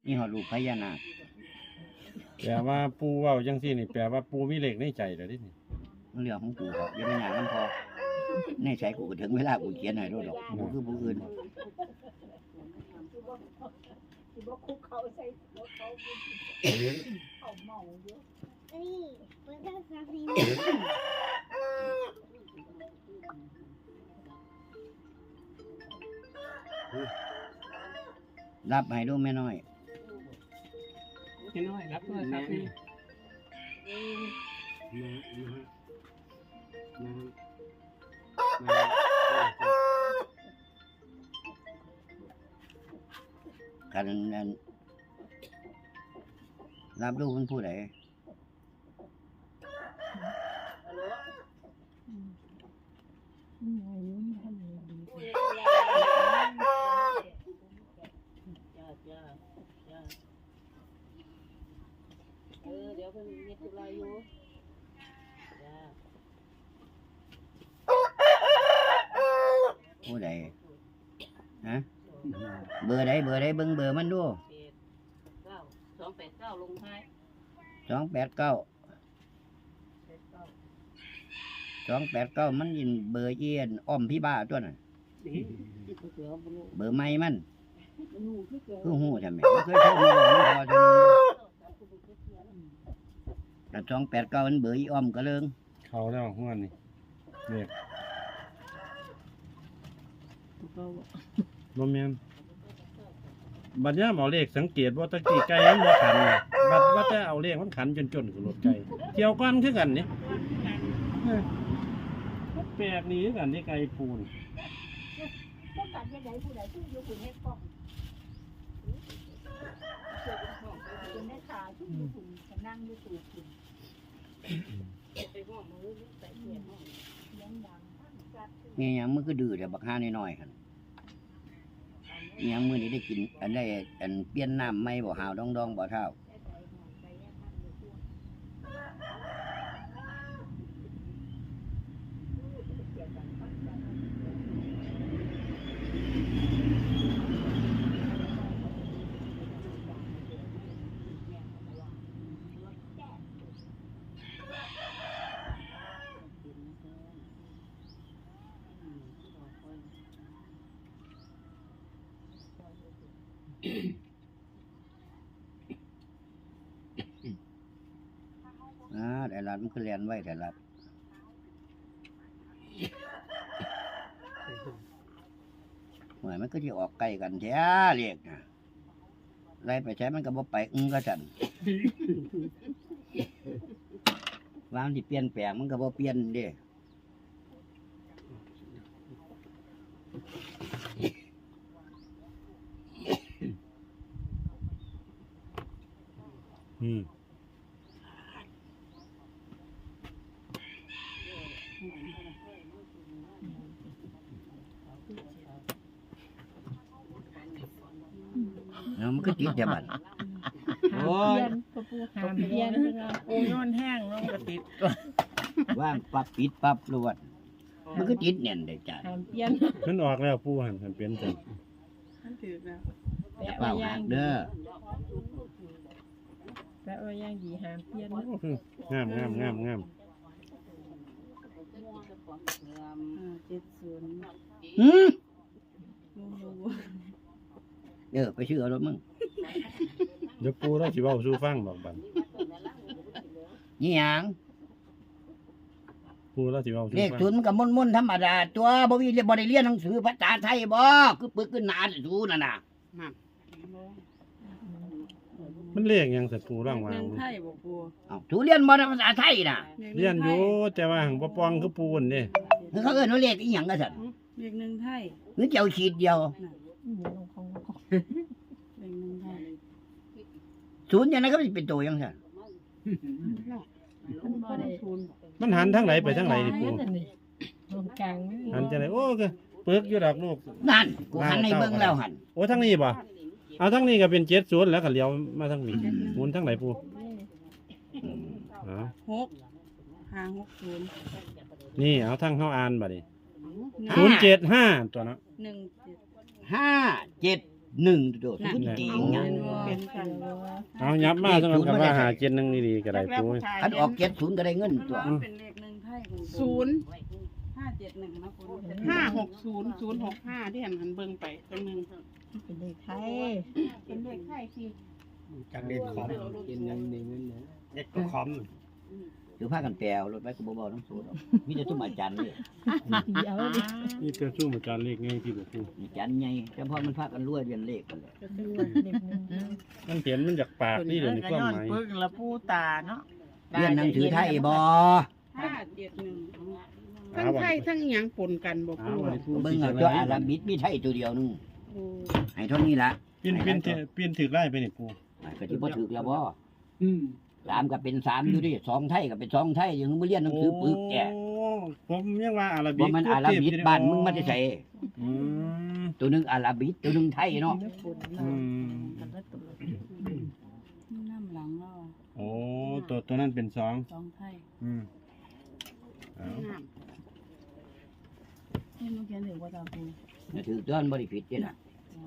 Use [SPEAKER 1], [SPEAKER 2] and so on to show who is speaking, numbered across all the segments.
[SPEAKER 1] นี่หอดลูกพญานาค
[SPEAKER 2] แปลว่าปูเว้าจังซี่นี่แปลว่าปูมีเลขในใจแล้วดิ
[SPEAKER 1] มันเรื่องของกูครับอย่าไปหยาดมันพอในใจกูก็ถึงเวลากูเขียนให้ด้วยดอกกูคือผู้อื่น รับให้ดูแม่น้อย
[SPEAKER 3] แม่น้อยรับโทรศัพท์นี่
[SPEAKER 1] กันนั้นรับดูมันผู้ใด
[SPEAKER 4] เดี๋ยวเพิ่นมีธุระอยู่จ้า
[SPEAKER 1] ผู้ใดฮะเบอร์ใดเบิ่งเบอร์มันดู
[SPEAKER 4] 289ลงท้าย
[SPEAKER 1] 289มันยินเบอร์เอียนอ้อมพี่บ้าตัวน่ะเบอร์ไม่มันคือหูใช่ไหมไม่เคยโทรมาบอกมันพอจะแต่289มันเบอร์อีอ้อมก็เลิง
[SPEAKER 2] เข้าแล้วหัวนี่เลขบ่แม่นบัดยามเอาเลขสังเกตว่าตะกี้ไก่มันบ่ขันน่ะบัดว่าแต่เอาเลขมันขันจนๆคือรถไก่เกี่ยวกันคือกันนี่มันแปลกนี่คือกันนี่ไก่ปูน
[SPEAKER 5] ต้องการยังไงผู้ใดที่อยู่คุณให้ป้องคุณให้ขาที่อยู่คุณนั่งอยู่ตู่คุณ
[SPEAKER 4] ไปห้องมือใส่เสียห้อง
[SPEAKER 5] เลี้ยงดัง
[SPEAKER 1] นี่ยังมือก็ดื้อแต่บักห้าน้อยๆคั่นยังมือนี้ได้กินอันได้อันเปลี่ยนน้ำไม่บ่หาวดองบ่เท่าแต่ละมันคือเรียนไว้แต่ละหวยมันก็จะออกใกล้กันแท้เรียกนะไล่ไปใช้มันก็บ่ไปก็จันวางที่เปลี่ยนแปลงมันก็บ่เปลี่ยนเด้มันก็ติดแต่บัดโอ้ย
[SPEAKER 6] หามเพียนปูนอนแห้งลงกระติด
[SPEAKER 1] ว่างปั๊บปิดปั๊บรวดมันก็ติดแน่นได้จ้ะ
[SPEAKER 6] หามเพียน
[SPEAKER 2] มันออกแล้วปูหันเปลี่ยนจัง
[SPEAKER 6] แปะ
[SPEAKER 1] เปล่า
[SPEAKER 6] ไว้ย่า
[SPEAKER 1] หั
[SPEAKER 6] ง
[SPEAKER 1] กเด้อ
[SPEAKER 6] แปะไว้ย่างดีหามเพียน
[SPEAKER 2] งาม
[SPEAKER 1] หืมไปชื่อเอารถมึง
[SPEAKER 2] เดี๋ยวปูเราสิเว้าสู่ฟังดอกบัด
[SPEAKER 1] นี่หยัง
[SPEAKER 2] ปูเราสิเว้าสู่
[SPEAKER 1] เลข
[SPEAKER 2] ฟัง
[SPEAKER 1] ศูนย์มันก็ม่นๆธรรมดาตัวบ่มีบ่ได้เรียนหนังสือภาษาไทยบ่คือปึกขึ้นหนาสูนั่นน่ะ
[SPEAKER 2] มันเลขหยังสัตว์ปูร่างวาง
[SPEAKER 3] ไทยบ่ปู
[SPEAKER 1] เอ้าสูเรียนบ่ได้ภาษาไทยน่ะ
[SPEAKER 2] เรียนอยู่แต่ว่าหังบ่ปองคือปูนนี่
[SPEAKER 1] เขาเอิ้นว่าเลขอีหยังก็ซั่น
[SPEAKER 3] เรียกหนึ่งไทย
[SPEAKER 1] หรือเจ้าขีดเดียว
[SPEAKER 3] เรียกหนึ่งไทย
[SPEAKER 1] ศูนย์อย่างนั้นก็สิเป็นตัวจังซั่น
[SPEAKER 3] มันบ่ได้ทุน
[SPEAKER 2] มันหันทางไหนไปทางไหนนี่ปู
[SPEAKER 6] ตรงกลางไม่มี
[SPEAKER 2] หันจังได๋โอ้ก็ปึกอยู่ดอกลูก
[SPEAKER 1] นั่นกูหันให้เบิ่งแล้วหั่น
[SPEAKER 2] โอ้ทางนี้บ่เอาทางนี้ก็เป็น70แล้วก็เลี้ยวมาทางนี้หมุนทางไหนปูอ๋อ
[SPEAKER 3] 6 5 6 0
[SPEAKER 2] นี่เอาทางเฮาอ่านบัดนี้
[SPEAKER 1] 5
[SPEAKER 2] 075ตัวเนาะ
[SPEAKER 3] 1 7
[SPEAKER 1] 5 7 หนึ่งโดดสุดจริง
[SPEAKER 3] เอา
[SPEAKER 1] อ่ะ
[SPEAKER 3] เป็นกัน
[SPEAKER 2] เอายับมาสำหรับคำว่าหาเจ็ดหนึ่งดีๆก็ได้ปู
[SPEAKER 1] คันออก70ก็ได้เงินตัว
[SPEAKER 3] มันเป็นเลขหนึ่งไทยของ 0571นะคุณ
[SPEAKER 7] 560 065ที่หันเบิ่งไปตรงนึง
[SPEAKER 6] เป็นเลขไทย
[SPEAKER 7] เป็นเลขไทยที่
[SPEAKER 8] จากเด็กคอมกินยังนี่นั่นนะเด็กก็คอม
[SPEAKER 1] คือพากันแปลวรถไว้ก็บ่เบาน้ำสูดมีแต่ตุ้มอาจารย์นี่
[SPEAKER 6] เดี๋ยวดิ
[SPEAKER 2] นี่เจ้าสู้มาจานเลขไงที่บอกปู
[SPEAKER 1] อาจารย์ใหญ่แต่พอมันพากันรวยเรียนเลขกันเลย
[SPEAKER 6] เลขหนึ่ง
[SPEAKER 2] มันเห็นมันจากปากนี่เดี๋ยวนี้ความหมาย
[SPEAKER 6] ปึ้งละปูตาเนาะ
[SPEAKER 1] เรียนหนังสือไทยบ่
[SPEAKER 7] 571ทั้งไทยทั้งหยังปนกันบ่
[SPEAKER 2] เอา
[SPEAKER 7] ปู
[SPEAKER 2] ไว้ปู
[SPEAKER 1] เบิ่งเอาตัวอาราบิดมีไทยตัวเดียวนึงให้เท่านี้ละ
[SPEAKER 2] เปลี่ยนถือไล่ไปนี่ปู
[SPEAKER 1] ก็สิบ่ถูกแล้วบ่3ก็เป็น3อยู่ดิ2ไทยก็เป็น2ไทยยังบ่เรียนหนังสือปึกแก
[SPEAKER 2] โอ้ผมยังว่าอาราบิ
[SPEAKER 1] บ่มันอาราบิดบ้านมึงมาได้ใส่
[SPEAKER 2] อืม
[SPEAKER 1] ตัวหนึงอาราบิดตัวหนึงไทยเนาะ
[SPEAKER 2] อืม
[SPEAKER 3] น้ำหลังเรา
[SPEAKER 2] โอ้ตัวนั้นเป็นสอง
[SPEAKER 3] 2ไทย
[SPEAKER 2] อืมเอา
[SPEAKER 3] นี่มันเขียนถึงว่าตาปู
[SPEAKER 1] ถือต้นบ่ได้ผิดเด้น่ะ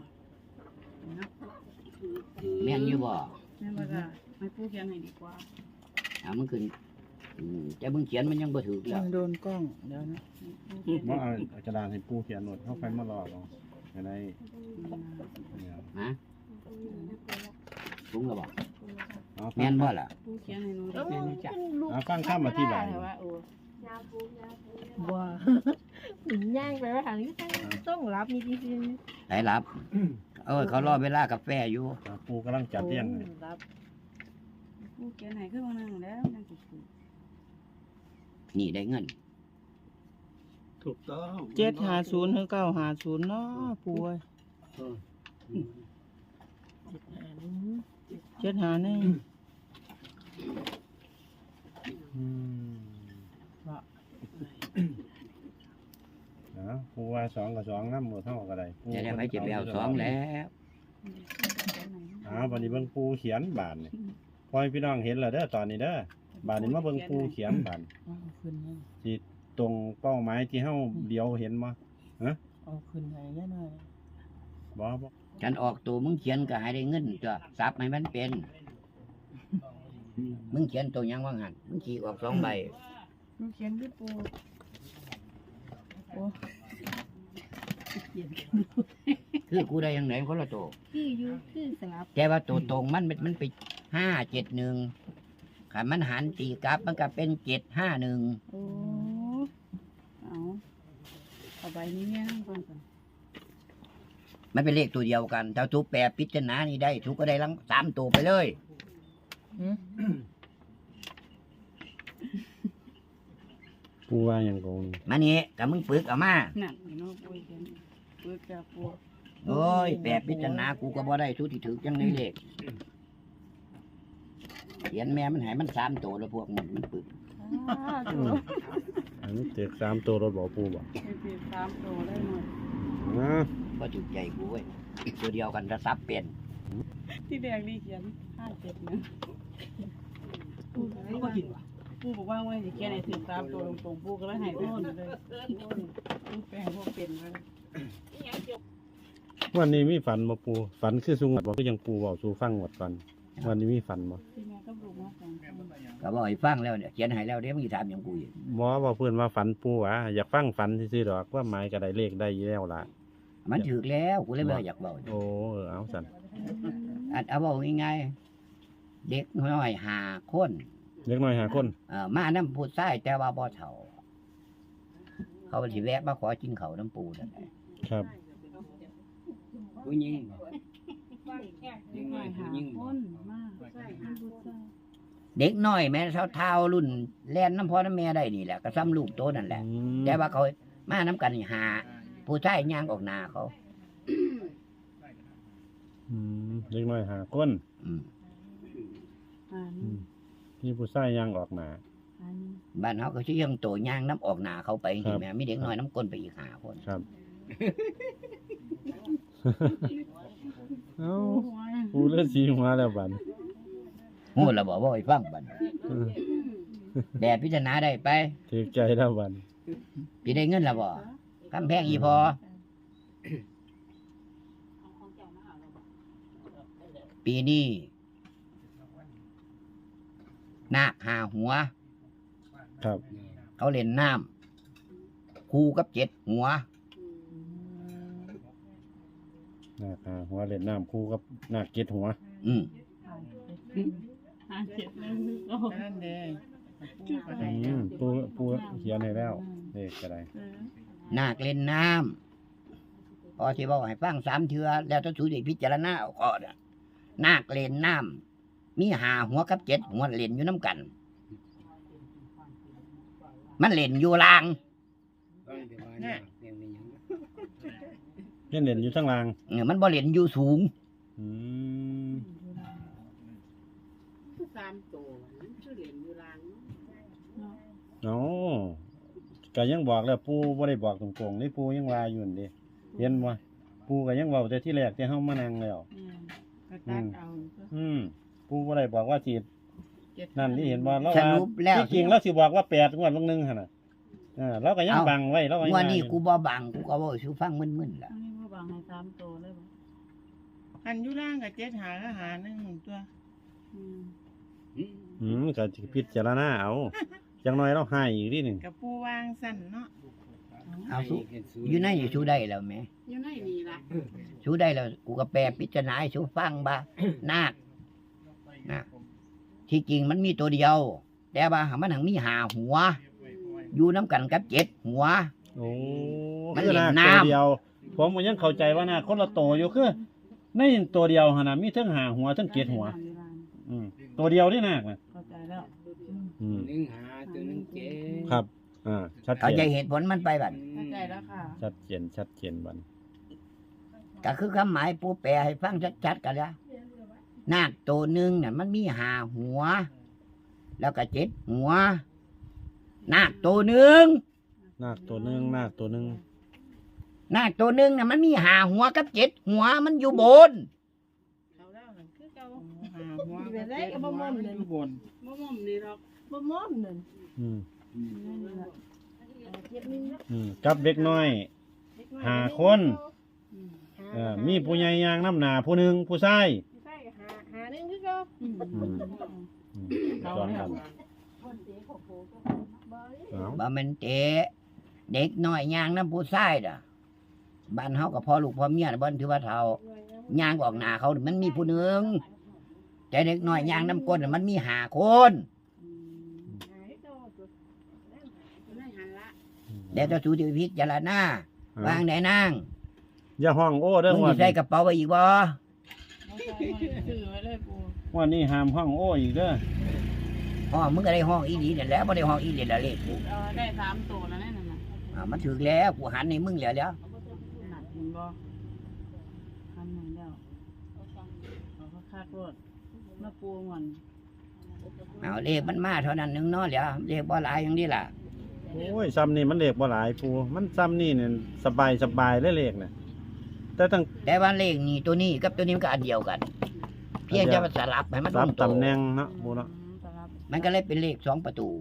[SPEAKER 1] แม่นอยู่บ่
[SPEAKER 3] แม่ว่าจะให้ปูเขียนให้ดีกว่า
[SPEAKER 1] มันขึ้นแต่มึงเขียนมันยังบ่ถูกแล้ว
[SPEAKER 6] โดนกล้องเดี๋ยวนะ
[SPEAKER 2] ว่าเอากระดาษให้ปูเขียนหนดเข้าไปมารอเอาจะได้เนี่ย
[SPEAKER 1] ฮะถุงแล้วบ่
[SPEAKER 2] เอา
[SPEAKER 1] แม่นบ่ล่ะ
[SPEAKER 3] ปูเขียนให้หนู
[SPEAKER 6] เออ
[SPEAKER 3] ได้
[SPEAKER 6] มันจ้ะ
[SPEAKER 2] เอาฟังข้ามอธิบาย
[SPEAKER 3] แต่ว่าโอ้
[SPEAKER 6] ว้าหนิย่างไปว่าทางนี้ต้องรับมีจริง
[SPEAKER 1] ไหนรับเขารอเวลากาแฟอยู่
[SPEAKER 2] ปูกำลังจัดเรียงเลย
[SPEAKER 6] รับ
[SPEAKER 3] ปูเขียนให้คือว่านั่งแล้วนั่งสิ
[SPEAKER 1] นี่ได้เงิน
[SPEAKER 8] ถูกต้อง
[SPEAKER 6] 750ถึง950เนาะปูเอ้ย751
[SPEAKER 2] อืมปูว่าสองกับสองน้ำหมดเท่ากับอะไร
[SPEAKER 1] จะได้ไปเจ็บแล้ว2แล้ว
[SPEAKER 2] วันนี้เบิ่งปูเขียนบานนี่พอให้พี่น้องเห็นแล้วเด้อตอนนี้เด้อบานนี้มาเบิ่งปูเขียนบาน
[SPEAKER 6] เอาขึ้นให้
[SPEAKER 2] สิตรงเป้าหมายที่เฮาเดียวเห็นบ่
[SPEAKER 6] เอาขึ้นให้แน่นอน
[SPEAKER 2] บ่บ่
[SPEAKER 1] ฉันออกตัวมึงเขียนก็ให้ได้เงินจ้ะซับให้มันเป็น มึงเขียนตัวหยังว่างหันมึงขี่ออก2ใบ
[SPEAKER 3] ปูเขียนคือปู
[SPEAKER 1] คือกูได้ยังไหนคนละตัว
[SPEAKER 5] คืออยู่คือสลับ
[SPEAKER 1] แต่ว่าตัวตรงมันไป571คันมันหันตีกลับมันก็เป็น751
[SPEAKER 3] โอ้เอาใบนี้เนี่ยก่อน
[SPEAKER 1] มันเป็นเลขตัวเดียวกันถ้าทุกแปรพิจารณานี่ได้ทุกก็ได้ทั้ง3ตัวไปเลย
[SPEAKER 2] ปูว่าหยังกง
[SPEAKER 1] มานี่ก็มึงปึกเอามา
[SPEAKER 3] นั่นเนาะปูเขียนปูจะปู
[SPEAKER 1] โอ้ยแปรพิจารณากูก็บ่ได้ทุกที่ถือจังในเลขเขียนแม่มันให้มัน3ตัวแล้วพวกมันปึก
[SPEAKER 2] อันนี้เต็ก3ตัวรถบ่ปูบ่
[SPEAKER 3] เป็น3ตัวได้หมด
[SPEAKER 1] บ่ถูกใจกูเว้ยตัวเดียวกันถ้าซับเป็น
[SPEAKER 3] ที่แดงนี่เขียน571ปูก็กินว่ะปูบอกว่าไว้สิเขียนให้ถึง3ตัวตรงๆปูก็เลยให้โน่นเลยปูแปลงบ่เป็นเลย
[SPEAKER 2] วันนี้มีฝันบ่ปูฝันคือสุงหวัดบ่คือยังปูเว้าสู่ฟังหมดก่อนวันนี้มีฝันบ่
[SPEAKER 3] ที่แม่ก็ปลูกมา2คน
[SPEAKER 1] ก็บอกให้ฟังแล้วเนี่ยเขียนให้แล้วเดี๋ยวมึงสิถามหยังกูอีก
[SPEAKER 2] บ่ว่าเพิ่นว่าฝันปูหวะอยากฟังฝันซื่อๆดอกว่าหมายก็ได้เลขได้อยู่แล้วล่ะ
[SPEAKER 1] มันถูกแล้วกูเลยบ่อยากเว้า
[SPEAKER 2] โอ้เอาสั่น
[SPEAKER 1] เอาเว้าง่ายๆเด็กน้อย5คน
[SPEAKER 2] เล็กน้อยหาคน
[SPEAKER 1] มานำผู้ชายแต่ว่าบ่เฒ่า เขาสิแวะมาขอกินข้าวน้ำปูนั่นแหละ
[SPEAKER 2] ครับ
[SPEAKER 8] ผู้หญิง
[SPEAKER 3] เด็กน้อยหาคนมากผู้ชาย
[SPEAKER 1] เด็กน้อยแม่เท่าๆรุ่นแล่นน้ำพ่อน้ำแม่ได้นี่แหละก็ซ้ำลูกโตนั่นแหละ แต่ว่าเขามาน้ำกันนี่หาผู้ชายย่างออกหน้าเขา
[SPEAKER 2] เล็กน้อยหาคน
[SPEAKER 1] อืม
[SPEAKER 2] มีผู้ชายย่างออกมา
[SPEAKER 1] บ้านเขาก็ชื่อยังโตย่างน้ำออกหน้าเขาไป
[SPEAKER 2] ครั
[SPEAKER 1] นี่
[SPEAKER 2] บ
[SPEAKER 1] แม่มีเด็กน้อยน้ำก้นไปอีกหาคน
[SPEAKER 2] ครับ เอ้าปูเลือดสีหัวแล้วบัด
[SPEAKER 1] โหเราบอกว่าไอ้ฟังบัดแบบพิจารณาได้ไป
[SPEAKER 2] ถือใจแล้วบัด
[SPEAKER 1] พี่ได้เงินแล้วบ่กำแพงอีพอปีนี้นาคหาหัว
[SPEAKER 2] ครับ
[SPEAKER 1] เขาเล่นน้ำคู่กับ7 หัว
[SPEAKER 2] นาคหัวเล่นน้ำคู่กับนาคเกตหัว
[SPEAKER 1] อืม
[SPEAKER 3] 571โอ้
[SPEAKER 7] นั่นเด้ปูก็
[SPEAKER 2] อื
[SPEAKER 7] ได้
[SPEAKER 2] มปูเขียนให้แล้วเลขก็ได้
[SPEAKER 1] นาคเล่นน้ำพอที่บอกให้ฟัง3 เทื่อแล้วต้องสูดพิจารณาเอาก่อนน่ะนาคเล่นน้ำมี5 หัวกับ7 หัวเล่นอยู่น้ำกัน มันเล่นอยู่ล่าง
[SPEAKER 8] ต้องแต่ว่าเนี่ยยังมีหยัง
[SPEAKER 2] เล่นอยู่ทั้งล่าง
[SPEAKER 1] มันบ่เล่นอยู่สูง
[SPEAKER 2] อืม
[SPEAKER 4] 3ตัวมันคือเหรียญอยู่ลาง
[SPEAKER 2] เนาะก็ยังบอกแล้วปูบ่ได้บอกตรงๆนี่ปูยังว่าอยู่นั่นดิเห็นบ่ปูก็ยังเว้าแต่ที่แรกที่เฮามานั่งแล้ว
[SPEAKER 3] ก็ตัดเอา
[SPEAKER 2] ปูบ่ได้บอกว่าสินั่นนี่เห็นบ่เรา
[SPEAKER 1] ส
[SPEAKER 2] ว่า
[SPEAKER 1] รุปแล้ว
[SPEAKER 2] ที่จริงเราสิบอกว่า8งวดลงนึงหั่นน่ะเราก็ยังบังไว้เราก็ยัง
[SPEAKER 1] ว่านี่
[SPEAKER 2] อยู่
[SPEAKER 1] กูบ่บังกูก็บ่สู่ฟังมึนๆล่ะ
[SPEAKER 3] อันนี้บ่บางให้3ตัวเลยบ่
[SPEAKER 7] อันอยู่ล่างกับ7หาก็หา1ตัว
[SPEAKER 2] ก็สิพิจารณาเอาจังน้อยเราให้อีกนิดนึง
[SPEAKER 7] กับปูวางสั่นเนาะ
[SPEAKER 1] เอาสู้อยู่ในนี่สู้ได้แล้วแหม
[SPEAKER 4] อยู่ในนี่ล่ะ
[SPEAKER 1] สู้ได้แล้วกูก็แปลพิจารณาให้สู้ฟังบ่านาคนะที่จริงมันมีตัวเดียว แต่ว่ามันหังมี5 หัว อยู่น้ำกันกับ7 หัว
[SPEAKER 2] โอ้
[SPEAKER 1] มัน
[SPEAKER 2] คือ
[SPEAKER 1] เล่น
[SPEAKER 2] นาค
[SPEAKER 1] น้ำ
[SPEAKER 2] ตัวเดียว ผมก็ยังเข้าใจว่านาคคนละโตวอยู่คือในตัวเดียวหั่นน่ะมีทั้ง5หัวทั้ง7หัวตัวเดียวนี่นาคน่ะ
[SPEAKER 3] เข้าใจแล้ว
[SPEAKER 8] หนึ่งหาตัวหนึ่งเจ็ด
[SPEAKER 2] ครับชัด
[SPEAKER 1] เข้า
[SPEAKER 2] เจ
[SPEAKER 1] ใจ
[SPEAKER 2] น
[SPEAKER 1] เหตุผลมันไปบัด
[SPEAKER 3] เข้าใจแล้วค่ะ
[SPEAKER 2] ชัดเจนบัด
[SPEAKER 1] ก็คือคำหมายปูแปลให้ฟังชัดๆกันแล้วนาคตัวหนึงน่ะมันมี5 หัว แล้วก็7 หัว นาคตัวหนึง
[SPEAKER 2] นาคตัวหนึงนาคตัวหนึง
[SPEAKER 1] นาคตัวหนึงน่ะมันมี5 หัวกับ7 หัวมันอยู่บน
[SPEAKER 4] เขาแล้วนั่นคือเก่า
[SPEAKER 7] หาหัวกับ7หัวมันอยู่บน
[SPEAKER 4] บ่ม่อมนี่หรอก
[SPEAKER 6] บ่ม่อมนั่น
[SPEAKER 2] อืม
[SPEAKER 6] 7
[SPEAKER 2] กับเด็กน้อย5 คนมีผู้ใหญ่ย่างน้ำหนาผู้หนึงผู้ชาย
[SPEAKER 6] ใช่หานึงคือเก่า
[SPEAKER 2] สอนกันเอา
[SPEAKER 1] บ่แม่นเตะเด็กน้อยย่างน้ำผู้ชายน่ะบ้านเฮาก็พอลูกพอเมียน่ะบ่ถือว่าเฒ่าย่างออกหน้าเขามันมีผู้หนึงแต่เด็กน้อยย่างน้ำก้นน่ะมันมี5 คน
[SPEAKER 4] อยู่ในหันละ
[SPEAKER 1] แล้วจะสูติพิจารณาวางไหนนาง
[SPEAKER 2] อย่าห้องโอ้เด้อ
[SPEAKER 1] มึง
[SPEAKER 2] ว่า
[SPEAKER 1] สิใส่กระเป๋าไว้อีกบ่
[SPEAKER 3] ซื้อไว้เลยปู
[SPEAKER 2] ว่านี่ห้ามห้องโอ้อีกเด้อ
[SPEAKER 1] อ๋อมึงก็ได้ห้องอีดีนั่นแหล้วบ่ได้ห้องอีเด็ดละเลขกู
[SPEAKER 3] ได้3ตัวแล้วนั่นน่ะ
[SPEAKER 1] มันถึกแล้วกูหันให้มึงแล้ว
[SPEAKER 3] หนักเห็นบ่คันไหนแล้วเอาคักๆรถมาปูก่อน
[SPEAKER 1] เอาเลขมันมาเท่านั้นนึงเนาะแล้วเลขบ่หลายอย่างนี้ล่ะ
[SPEAKER 2] โอ้ยซ้ำนี่มันเลขบ่หลายปูมันซ้ำนี่เนี่ยสบายเลยเลขน่ะแต่ตั้ง
[SPEAKER 1] แต่ว่าเลขนี่ตัวนี้กับตัวนี้มันก็อันเดียวกัน เพียงแต่ว่าสลับให้มัน
[SPEAKER 2] สาม
[SPEAKER 1] ตรง
[SPEAKER 2] ตำแหน่งเนาะปูเนาะ
[SPEAKER 1] มันก็เลยเป็นเลข2 ประตู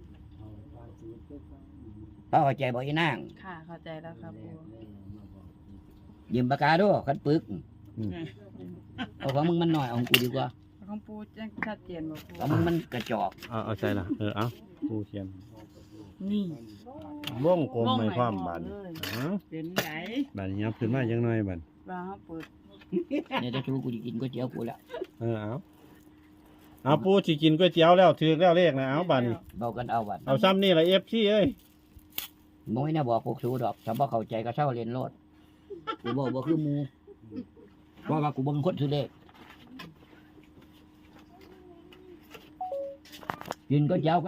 [SPEAKER 1] ป้าเข้าใจบ่อีนาง
[SPEAKER 3] ค่ะเข้าใจแล้วครับปู
[SPEAKER 1] ยืมปากกาดูคันปึกเอาของมึงมันน้อยเอาของกูดีกว่า
[SPEAKER 3] ของปูแจ้งชัดเจนบ่ปู
[SPEAKER 1] ของมึงมันกระจอก
[SPEAKER 2] เอาใจละเอาปูเขียน
[SPEAKER 3] นี่
[SPEAKER 2] วงกลมไม่ความบาด
[SPEAKER 3] เลย
[SPEAKER 7] เป็นไหน
[SPEAKER 2] บาดยับขึ้นมาจังหน่อยบาด
[SPEAKER 3] ว่าเฮาเปิด
[SPEAKER 1] เนี่ยจะชูกูจะกินก๋วยเตี๋ยวกูแล้ว
[SPEAKER 2] เอาปูสิกินก๋วยเตี๋ยวแล้วถือแล้วเลขนะเอาบาดนี้
[SPEAKER 1] เบากันเอาบัด
[SPEAKER 2] เอาซ้ำนี่ละFCเอ้ย
[SPEAKER 1] บ่ให้น่าบอกพวกสูดอกถ้าบ่เข้าใจก็เช่าเรียนโลดกูบอกบ่คือหมู่เพราะว่ากูเบิ่งคนซื้อเลขกินก๋วยเตี๋ยว